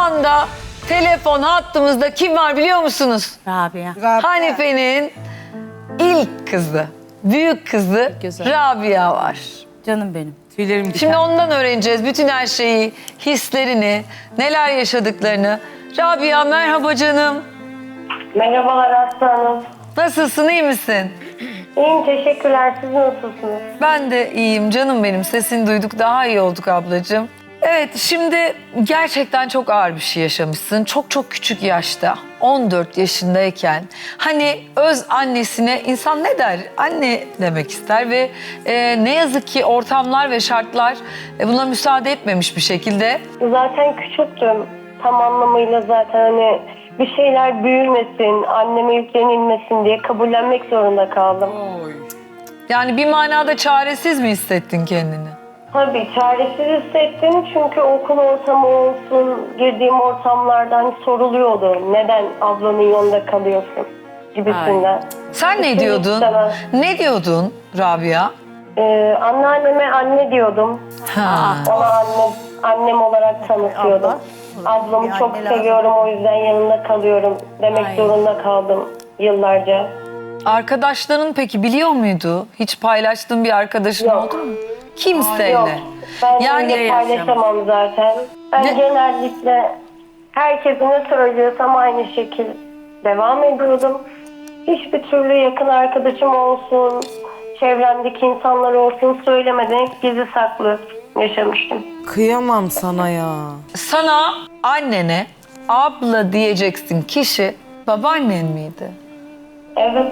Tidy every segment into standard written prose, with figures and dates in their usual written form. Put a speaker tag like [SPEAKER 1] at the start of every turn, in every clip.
[SPEAKER 1] anda telefon hattımızda kim var biliyor musunuz?
[SPEAKER 2] Rabia.
[SPEAKER 1] Hanife'nin ilk kızı, büyük kızı
[SPEAKER 2] Güzel.
[SPEAKER 1] Rabia var.
[SPEAKER 2] Canım benim.
[SPEAKER 3] Tüylerim diken.
[SPEAKER 1] Şimdi ondan öğreneceğiz bütün her şeyi, hislerini, neler yaşadıklarını. Rabia merhaba canım.
[SPEAKER 4] Merhabalar Aslı Hanım.
[SPEAKER 1] Nasılsın, iyi misin?
[SPEAKER 4] İyiyim, teşekkürler. Siz nasılsınız?
[SPEAKER 1] Ben de iyiyim canım benim. Sesini duyduk, daha iyi olduk ablacığım. Evet, şimdi gerçekten çok ağır bir şey yaşamışsın. Çok çok küçük yaşta, 14 yaşındayken. Hani öz annesine insan ne der? Anne demek ister ve ne yazık ki ortamlar ve şartlar buna müsaade etmemiş bir şekilde.
[SPEAKER 4] Zaten küçüktüm. Tam anlamıyla zaten hani bir şeyler büyümesin, anneme yüklenilmesin diye kabullenmek zorunda kaldım.
[SPEAKER 1] Yani bir manada çaresiz mi hissettin kendini?
[SPEAKER 4] Tabii çaresiz hissettim çünkü okul ortamı olsun, girdiğim ortamlardan soruluyordu. Neden ablanın yanında kalıyorsun gibisinden.
[SPEAKER 1] Sen ne
[SPEAKER 4] Hiç
[SPEAKER 1] diyordun?
[SPEAKER 4] istemem.
[SPEAKER 1] Ne diyordun Rabia?
[SPEAKER 4] Anneanneme anne diyordum.
[SPEAKER 1] Ha.
[SPEAKER 4] Ona annem olarak tanıtıyordum. Ablamı çok seviyorum, o yüzden yanında kalıyorum demek zorunda kaldım yıllarca.
[SPEAKER 1] Arkadaşların peki biliyor muydu? Hiç paylaştığın bir arkadaşın
[SPEAKER 4] Yok.
[SPEAKER 1] oldu mu? Kimseyle.
[SPEAKER 4] Yok, ben
[SPEAKER 1] Yani
[SPEAKER 4] öyle paylaşamam zaten. Ben genellikle herkese ne söylüyorsam aynı şekil devam ediyordum. Hiçbir türlü yakın arkadaşım olsun, çevremdeki insanlar olsun söylemeden hep gizli saklı yaşamıştım.
[SPEAKER 3] Kıyamam sana ya.
[SPEAKER 1] sana annene abla diyeceksin kişi babaannen miydi?
[SPEAKER 4] Evet.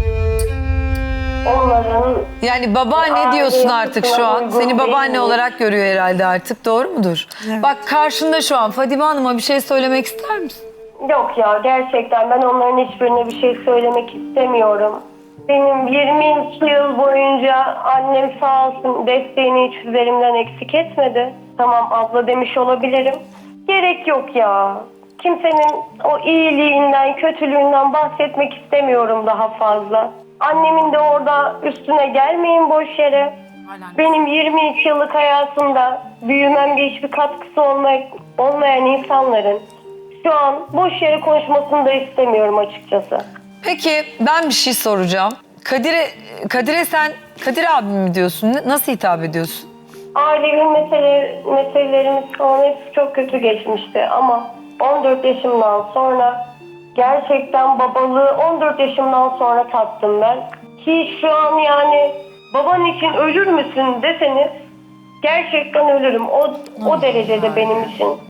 [SPEAKER 4] Onların
[SPEAKER 1] Yani babaanne
[SPEAKER 4] Aile
[SPEAKER 1] diyorsun artık
[SPEAKER 4] yapısına
[SPEAKER 1] şu an.
[SPEAKER 4] uygun
[SPEAKER 1] Seni
[SPEAKER 4] değil
[SPEAKER 1] babaanne
[SPEAKER 4] mi?
[SPEAKER 1] olarak görüyor herhalde artık, doğru mudur? Bak karşında şu an Fadime Hanım'a bir şey söylemek ister misin?
[SPEAKER 4] yok ya, gerçekten ben onların hiçbirine bir şey söylemek istemiyorum. Benim 22 yıl boyunca annem sağ olsun desteğini hiç üzerimden eksik etmedi. Tamam abla demiş olabilirim. Gerek yok ya. Kimsenin o iyiliğinden, kötülüğünden bahsetmek istemiyorum daha fazla. Annemin de orada üstüne gelmeyin boş yere. Benim 22 yıllık hayatımda büyümemde hiçbir katkısı olmayan insanların şu an boş yere konuşmasını da istemiyorum açıkçası.
[SPEAKER 1] Peki ben bir şey soracağım. Kadir'e sen Kadir abim mi diyorsun? Nasıl hitap ediyorsun?
[SPEAKER 4] Ailevi meselelerimiz falan hepsi çok kötü geçmişti ama 14 yaşımdan sonra gerçekten babalığı 14 yaşımdan sonra tattım ben. Ki şu an yani baban için ölür müsün deseniz gerçekten ölürüm. O derecede benim için.